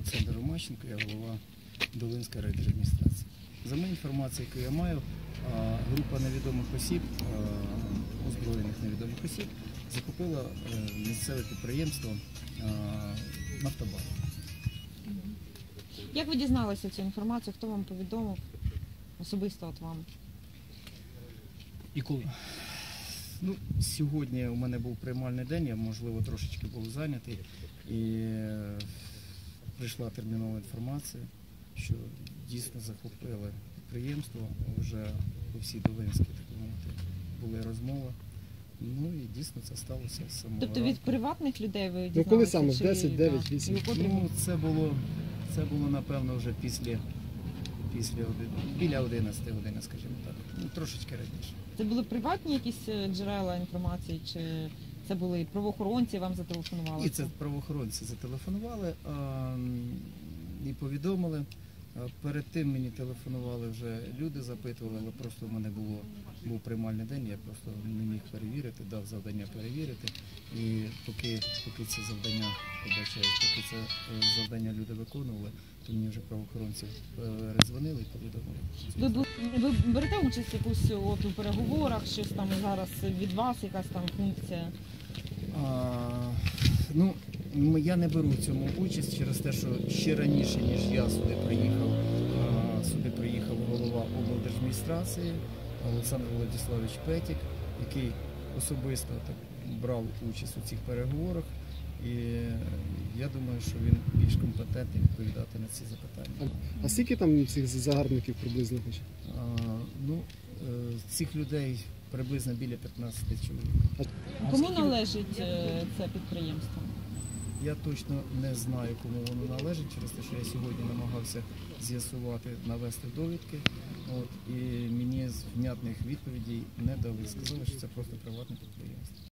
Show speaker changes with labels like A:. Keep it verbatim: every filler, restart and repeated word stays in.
A: Олександр Ромащенко, я голова Долинської райдержадміністрації. За моєю інформацією, яку я маю, група невідомих осіб, озброєних невідомих осіб, захопила місцеве підприємство «Нафтобар».
B: Як ви дізналися цю інформацію? Хто вам повідомив? Особисто от вам?
A: І коли? Ну, сьогодні у мене був приймальний день, я, можливо, трошечки був зайнятий, і прийшла термінова інформація, що дійсно захопили підприємство, вже по всій Долинській, так мовити, були розмови. Ну і дійсно це сталося з самого
B: Тобто
A: ранку.
B: від приватних людей ви дізналися?
C: Ну коли саме? В
B: чи-
C: десять, дев'ять, вісім?
B: І у котрій
A: Ну, це було, це було, напевно, вже після, після оди- біля одинадцятої години, скажімо так. Ну, трошечки раніше.
B: Це були приватні якісь е, джерела інформації, чи це були правоохоронці, вам зателефонували?
A: І це правоохоронці зателефонували а, м, і повідомили. А перед тим мені телефонували вже люди, запитували, але просто в мене було, був приймальний день, я просто не міг перевірити, дав завдання перевірити. І поки, поки це завдання, побачаю, поки це е, завдання люди виконували, то мені вже правоохоронці перезвонили і повідомили.
B: Ви, бу- ви берете участь якусь от у переговорах, щось там зараз від вас, якась там функція?
A: А, ну, м- я не беру в цьому участь через те, що ще раніше, ніж я сюди приїхав, а, сюди приїхав голова облдержадміністрації Олександр Владиславович Петік, який особисто так брав участь у цих переговорах. І я думаю, що він більш компетентний відповідати на ці запитання.
C: А скільки там цих загарбників приблизно хоч?
A: А, ну, е, цих людей приблизно біля п'ятнадцяти чоловік.
B: Кому належить е, це підприємство?
A: Я точно не знаю, кому воно належить, через те, що я сьогодні намагався з'ясувати, навести довідки. От, і мені з внятних відповідей не дали. Сказали, що це просто приватне підприємство.